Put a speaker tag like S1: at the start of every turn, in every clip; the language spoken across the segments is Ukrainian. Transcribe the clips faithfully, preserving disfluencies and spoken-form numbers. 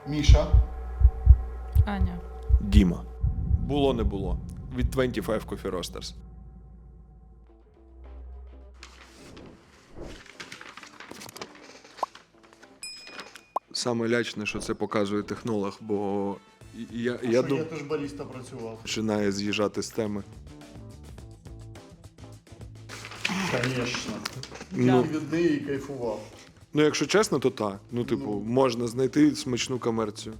S1: Міша.
S2: Аня.
S3: Діма. Було не було. Від двадцять п'ять Coffee Roasters. Саме лячне, що це показує технолог, бо я, я,
S1: Я,
S3: дум...
S1: я теж баріста працював.
S3: починає з'їжджати з теми.
S1: Звісно.
S3: Ну,
S1: Я від неї кайфував.
S3: ну, якщо чесно, то так. Ну, типу,
S1: Ну.
S3: можна знайти смачну комерцію.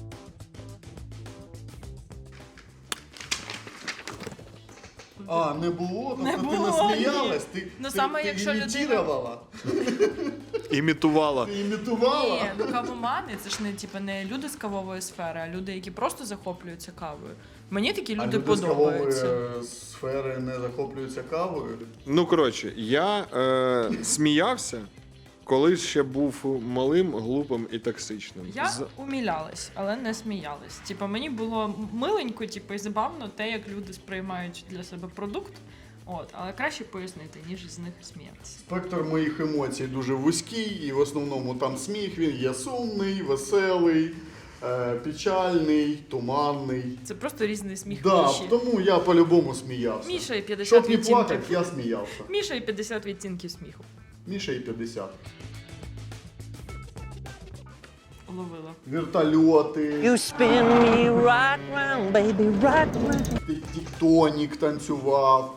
S1: А, не було? Тобто
S2: Не
S1: ти
S2: було,
S1: насміялась? Ти,
S2: Ну,
S1: ти,
S2: саме
S1: ти
S2: якщо людина-
S1: імітувала?
S3: Імітувала.
S1: Ти імітувала?
S2: Ні, ну кавомани це ж не типу, не люди з кавової сфери, а люди, які просто захоплюються кавою. Мені такі
S1: А
S2: люди
S1: люди з кавової
S2: подобаються.
S1: е, сфери не захоплюються кавою?
S3: Ну, коротше, я е, сміявся, коли ще був малим, глупим і токсичним.
S2: Я
S3: З-
S2: умілялась, але не сміялась. Типа мені було миленько, типу, і забавно те, як люди сприймають для себе продукт. От, але краще пояснити, ніж з них сміятися.
S1: Спектр моїх емоцій дуже вузький, і в основному там сміх, він є сумний, веселий, е, печальний, туманний.
S2: Це просто різний сміх
S1: Да,
S2: Міші.
S1: тому я по-любому сміявся.
S2: Міша і п'ятдесят
S1: Щоб не
S2: відтінків.
S1: плакати, я сміявся.
S2: Міша і п'ятдесят відтінків сміху.
S1: Міша і п'ятдесят.
S2: Ловила.
S1: Вертольоти,
S4: You spin me right round, baby, right round.
S1: тіктонік танцював.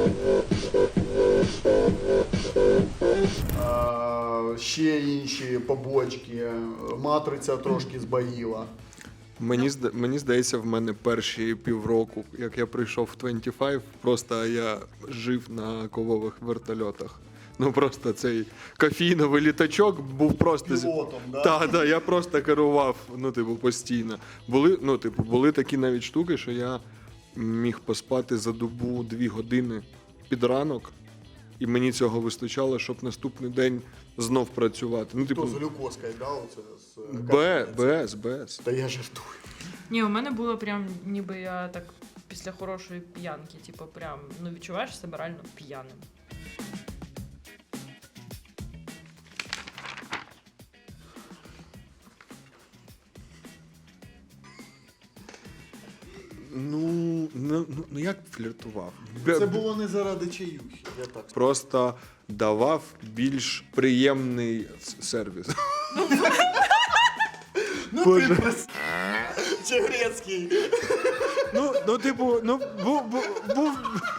S1: А, ще інші побочки. Матриця трошки збоїла.
S3: Мені, зда- мені здається, в мене перші півроку, як я прийшов в двадцять п'ять, просто я жив на ковових вертольотах. Ну просто цей кофійновий літачок був просто зі-
S1: Пілотом, да?
S3: Так, да, я просто керував, ну, типу, постійно. Були, ну, типу, були такі навіть штуки, що я міг поспати за добу дві години під ранок, і мені цього вистачало, щоб наступний день знов працювати. Ну, типу,
S1: То з глюкозкою, да, оце з е,
S3: Б,
S1: капельницею?
S3: без, без.
S1: Та я жартую.
S2: Ні, у мене було прям, ніби я так після хорошої п'янки, типу, прям, ну відчуваєш себе реально п'яним.
S3: Ну, ну, ну, ну як фліртував? Бе-
S1: Це було не заради чаюхи, я так скажу.
S3: Просто давав більш приємний с- сервіс.
S1: Ну
S3: Боже.
S1: ти прос... Чегрецький.
S3: Ну, ну, типу, ну, був, був, був.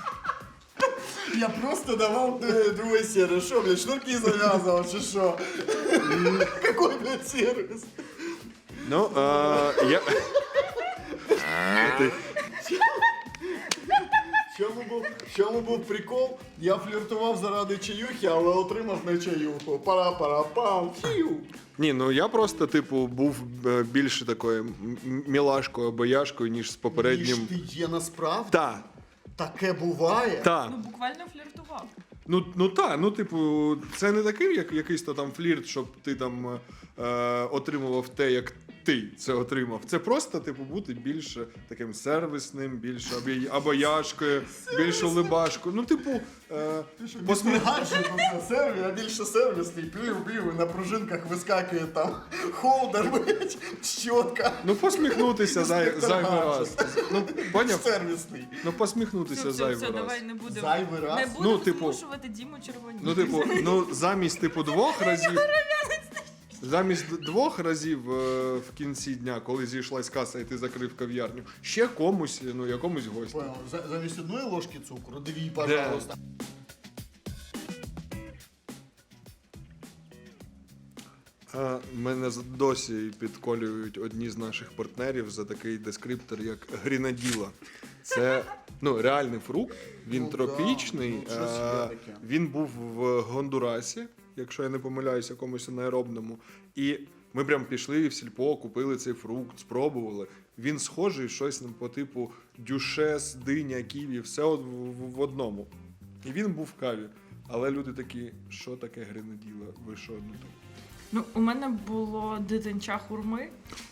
S1: Я просто давав д- другой сервис. Що, блядь, шнурки зав'язував, чи що? Какой, блядь, сервис?
S3: Ну, а, я... Ти-
S1: В чому був, в чому був прикол? Я фліртував заради чаюхи, але отримав не чаюху. Пара-пара-пам, фью.
S3: Ні, ну я просто, типу, був е, більше такою м- м- мілашкою, бояшкою, ніж з попереднім.
S1: Ніж ти є насправді?
S3: Та,
S1: Таке буває?
S3: та.
S2: Ну, буквально фліртував.
S3: Ну, ну так, ну типу, це не такий, як якийсь то там флірт, щоб ти там е, отримував те, як ти це отримав. Це просто, типу, бути більш таким сервісним, більш обя- обаяшкою, більш улибашкою. Ну, типу, е,
S1: Посмі... гаджет, сервіс, а більше сервісний, плів-плів, на пружинках вискакує там холдер, блядь, щотка.
S3: ну посміхнутися зай, зайвий раз. Ну, поняв?
S1: Сервісний.
S3: Ну, посміхнутися
S2: Все, все,
S3: зайвий
S2: все,
S3: раз.
S2: давай не будемо.
S1: Зайвий раз?
S2: Не будемо
S3: Ну, типу,
S2: змушувати Діму червоніти.
S3: Ну, типу, ну замість типу двох разів. Замість д- двох разів е, в кінці дня, коли зійшлась каса і ти закрив кав'ярню, ще комусь, ну якомусь гостю.
S1: Понял. За- Замість одної ложки цукру, дві, пожалуйста.
S3: А, мене з- досі підколюють одні з наших партнерів за такий дескриптор, як грінаділа. Це ну, реальний фрукт, він
S1: Ну,
S3: тропічний.
S1: да, ну, щось є
S3: е,
S1: таке.
S3: він був в Гондурасі, якщо я не помиляюсь, якомусь анаеробному. І ми прям пішли в сільпо, купили цей фрукт, спробували. Він схожий щось ну, по типу дюшес, диня, ківі, все от в, в, в одному. І він був в каві. Але люди такі, що таке гренаділа? Ви що? Ну, так?
S2: Ну, у мене було дитинча хурми.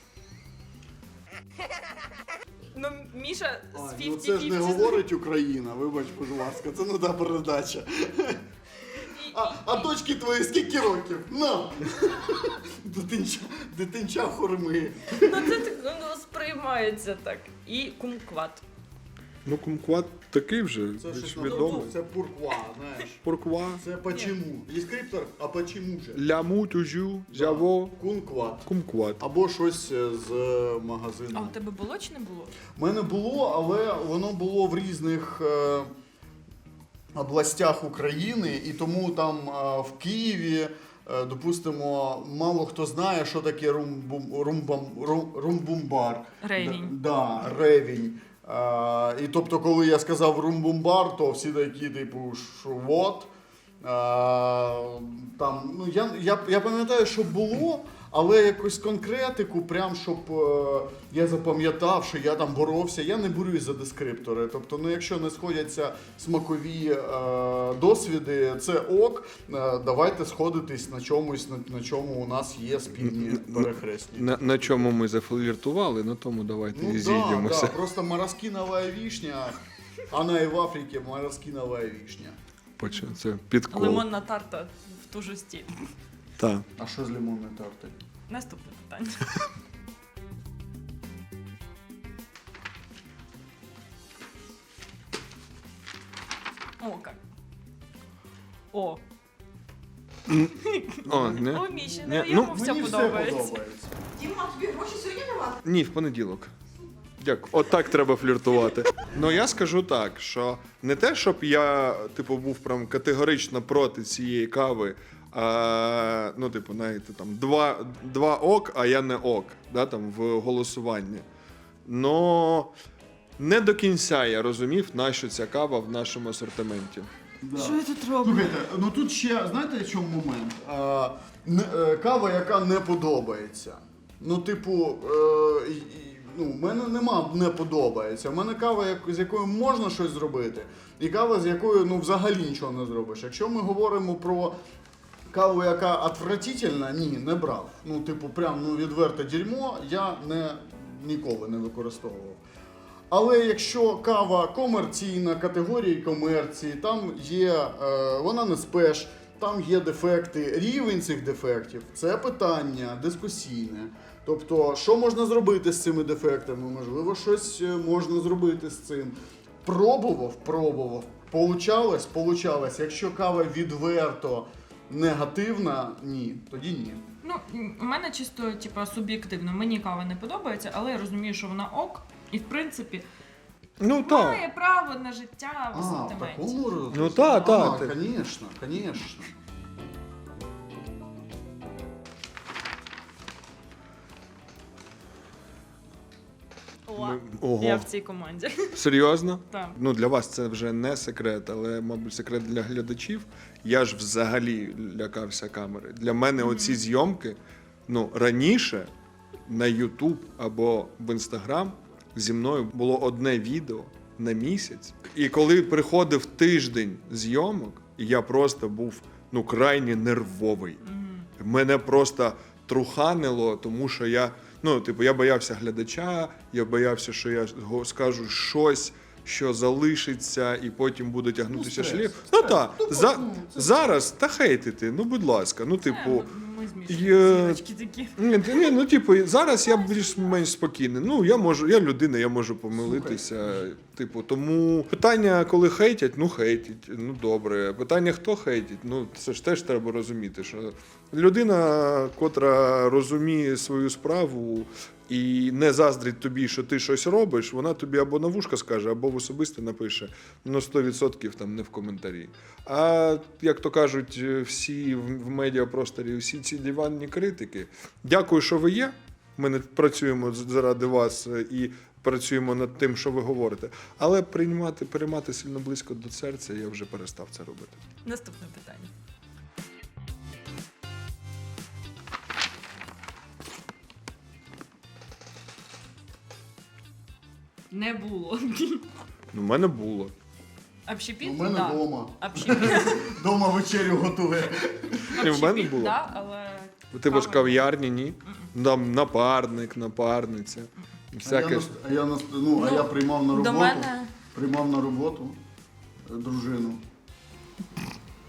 S2: Ну, Міша з
S1: А, ну
S2: п'ятдесят
S1: це ж не
S2: п'ятдесят.
S1: говорить Україна, вибач, будь ласка, це не та передача. А, а дочки твої скільки років? На! Дитинча, дитинча хурми.
S2: Ну це так ну, сприймається так. І кумкват.
S3: Ну, кумкват такий вже,
S1: Це
S3: більш
S1: щось
S3: відомий.
S1: відомо. Це пурква, знаєш.
S3: Порква.
S1: Це почему. Є скриптор, а почему же?
S3: Ляму, тужу, зяво,
S1: Кункват.
S3: кумкват.
S1: Або щось з
S2: А
S1: магазину.
S2: у тебе було чи не було?
S1: У мене було, але воно було в різних е, областях України, і тому там е, в Києві, е, допустимо, мало хто знає, що таке румбум, румбам, рум, румбумбар.
S2: Ревінь.
S1: Д- Да, ревінь. Е, і тобто, коли я сказав румбумбар, то всі такі, типу, що вот. Е, там, ну, я, я, я пам'ятаю, що було, але якусь конкретику, прям щоб е, я запам'ятав, що я там боровся, я не борюсь за дескриптори. Тобто, ну, якщо не сходяться смакові е, досвіди, це ок. Е, давайте сходитись на чомусь, на, на чому у нас є спільні перехресні.
S3: На, на чому ми зафліртували, на тому давайте і
S1: Ну да,
S3: зійдемося.
S1: да, просто мороскиновая вишня, она и в Африке мороскиновая вишня.
S3: Поче- Це підкол.
S2: Лимонна тарта в ту ж стіль.
S3: Так.
S1: А що з лимонною тартою?
S2: Наступне питання. О, як. О.
S3: О, не?
S2: О, Міші,
S3: Не,
S2: йому
S3: ну,
S2: все
S1: Мені
S2: подобається.
S1: все подобається.
S5: Діма, тобі гроші сьогодні давати?
S3: Ні, в понеділок. Дякую. Отак треба фліртувати. Ну я скажу так, що не те, щоб я, типу, був прям категорично проти цієї кави. А, ну, типу, знаєте, там два, два ок, а я не ок, да, там, в голосуванні. Но не до кінця я розумів, нащо ця кава в нашому асортименті.
S1: Да.
S2: Що я тут роблю?
S1: Слухайте, ну тут ще, знаєте, в чому момент? А, не, е, кава, яка не подобається. Ну, типу, е, і- і, ну, в мене нема не подобається. У мене кава, як, з якою можна щось зробити, і кава, з якою ну, взагалі нічого не зробиш. Якщо ми говоримо про каву, яка отвратительна, ні, не брав. Ну, типу, прям ну, відверте дерьмо я не, ніколи не використовував. Але якщо кава комерційна, категорії комерції, там є, е, вона не спеш, там є дефекти, рівень цих дефектів – це питання дискусійне. Тобто, що можна зробити з цими дефектами? Можливо, щось е, можна зробити з цим. Пробував, пробував, получалось, получалось. Якщо кава відверто негативна, ні, тоді ні.
S2: Ну, у мене чисто, типа, суб'єктивно. Мені кава не подобається, але я розумію, що вона ок. І, в принципі,
S3: Ну так.
S2: має право на життя в
S1: А, в
S2: асортименті.
S1: такому роз-
S3: Ну, та, та,
S1: А,
S3: ти-
S1: конечно, конечно.
S2: О,
S3: Ми- Ого.
S2: я в цій команді.
S3: Серйозно?
S2: Так.
S3: Ну, для вас це вже не секрет, але, мабуть, секрет для глядачів. Я ж взагалі лякався камери. Для мене оці зйомки, ну, раніше на YouTube або в Instagram зі мною було одне відео на місяць. І коли приходив тиждень зйомок, я просто був ну, крайне нервовий. Мене просто труханило, тому що я, ну, типу, я боявся глядача, я боявся, що я го- скажу щось, що залишиться, і потім буде тягнутися
S1: Ну, стрес,
S3: шлейф.
S1: стрес.
S3: Ну так,
S1: Ну,
S3: за,
S1: ну, це-
S3: зараз та хейтити, ну будь ласка, ну
S2: Е,
S3: типу.
S2: Ми
S3: є-
S2: змішуємо зірочки такі.
S3: Ні, ти- ні, ну типу, зараз я більш-менш спокійний. Ну, я можу, я людина, я можу помилитися. Типу, тому питання, коли хейтять, ну хейтять, ну добре. Питання, хто хейтить, ну це ж теж треба розуміти, що людина, котра розуміє свою справу і не заздрить тобі, що ти щось робиш, вона тобі або на вушка скаже, або в особисто напише, ну сто відсотків там не в коментарі. А як то кажуть, всі в в медіапросторі, всі ці диванні критики. Дякую, що ви є. Ми не працюємо з- заради вас е, і працюємо над тим, що ви говорите. Але приймати, переймати сильно близько до серця я вже перестав це робити.
S2: Наступне питання. Не було.
S3: Ну, в мене було.
S2: Общепіт?
S1: У мене
S2: да.
S1: вдома.
S2: Общепіт.
S1: Дома вечерю готує.
S3: І в мене
S2: Общепіт,
S3: було.
S2: да, але...
S3: У тебе ж
S2: кава-
S3: кав'ярні, ні? Там напарник, напарниця.
S1: А я,
S3: Всяке.
S1: нас- а я, нас- ну, а
S2: Ну,
S1: я приймав на
S2: До
S1: роботу.
S2: мене...
S1: Приймав на роботу е, дружину.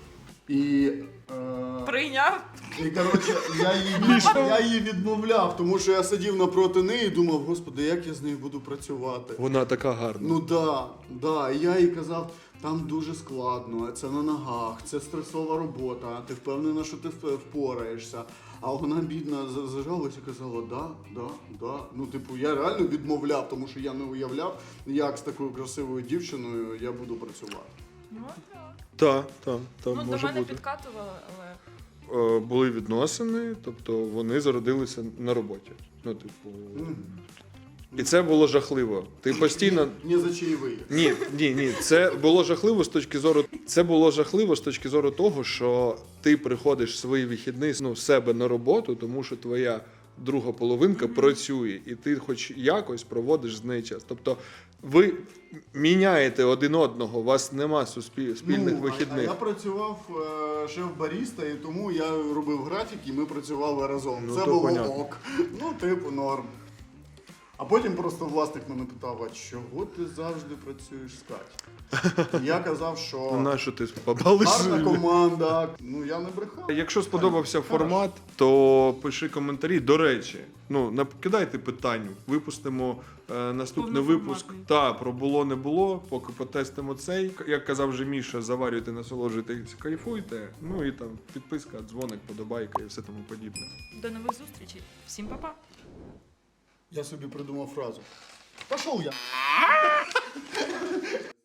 S1: І, е,
S2: Прийняв.
S1: і коротше, я її, від- я її відмовляв, тому що я сидів напроти неї і думав, господи, як я з нею буду працювати.
S3: Вона така гарна.
S1: Ну да, да. І я їй казав, там дуже складно, це на ногах, це стресова робота, ти впевнена, що ти вп- впораєшся. А вона бідна за- зажалась і казала, да, да, да. Ну, типу, я реально відмовляв, тому що я не уявляв, як з такою красивою дівчиною я буду працювати.
S2: Ну, так.
S3: Так, так, так,
S2: Ну, до
S3: може
S2: мене
S3: бути.
S2: підкатували, але
S3: Е, Були відносини, тобто вони зародилися на роботі. Ну, типу. І це було жахливо. Ти постійно.
S1: Не за чаєвий.
S3: Ні, ні, ні. Це було жахливо з точки зору. Це було жахливо з точки зору того, що ти приходиш свої вихідні ну, з себе на роботу, тому що твоя друга половинка працює, і ти хоч якось проводиш з нею час. Тобто ви міняєте один одного, у вас нема суспіль... спільних
S1: ну, а-
S3: вихідних.
S1: А я працював е, шеф-баріста, і тому я робив графік, і ми працювали разом.
S3: Ну,
S1: це
S3: то
S1: було
S3: понятно.
S1: ок. Ну, типу, норм. А потім просто власник мене питав, а чого ти завжди працюєш з Катю? Я казав, що
S3: Ну, на що ти побалиш?
S1: гарна команда. Ну, я не брехав.
S3: Якщо сподобався формат, то пиши коментарі. До речі, ну не кидайте питань. Випустимо е, наступний випуск.
S2: Повноформатний.
S3: Та про було не було. Поки потестимо цей. Як казав вже Міша, заварюйте, насолоджуйтесь, кайфуйте. Ну і там підписка, дзвоник, подобайка і все тому подібне.
S2: до нових зустрічей. Всім па-па.
S1: Я собі придумав фразу. Пішов я.